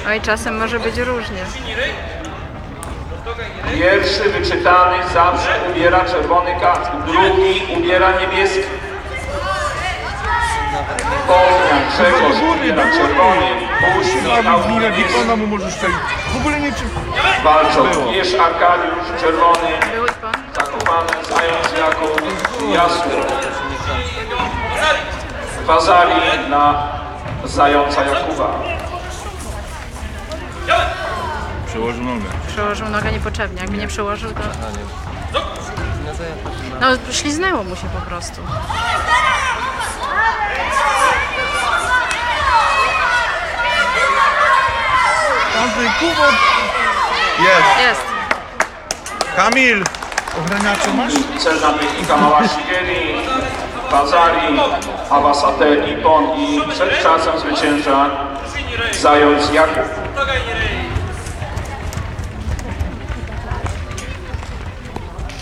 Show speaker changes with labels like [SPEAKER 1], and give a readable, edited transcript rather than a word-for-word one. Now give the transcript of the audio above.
[SPEAKER 1] Oj, czasem może być różnie.
[SPEAKER 2] Pierwszy wyczytany zawsze ubiera czerwony kask, drugi ubiera niebieski. Poznań, Grzegorz ubiera czerwony, Puść, Michał niebieski.
[SPEAKER 3] mu możesz tutaj w ogóle nie czy...
[SPEAKER 2] Walczą Jerz Arkadiusz, czerwony,
[SPEAKER 1] Był pan?
[SPEAKER 2] Zakopany, Zając Jakub, Jasny. Wazali na Zająca Jakuba.
[SPEAKER 3] Przełożył nogę.
[SPEAKER 1] Przełożył nogę niepotrzebnie. Jakby nie przełożył, to... No, śliznęło mu się po prostu.
[SPEAKER 3] Andrzej, Kubo! Jest!
[SPEAKER 1] Jest.
[SPEAKER 3] Kamil! Ochraniacze masz?
[SPEAKER 2] Cel na technika Małaszigeli, Wazali, Awasate, Ipon i przed czasem zwycięża Zając Jakub.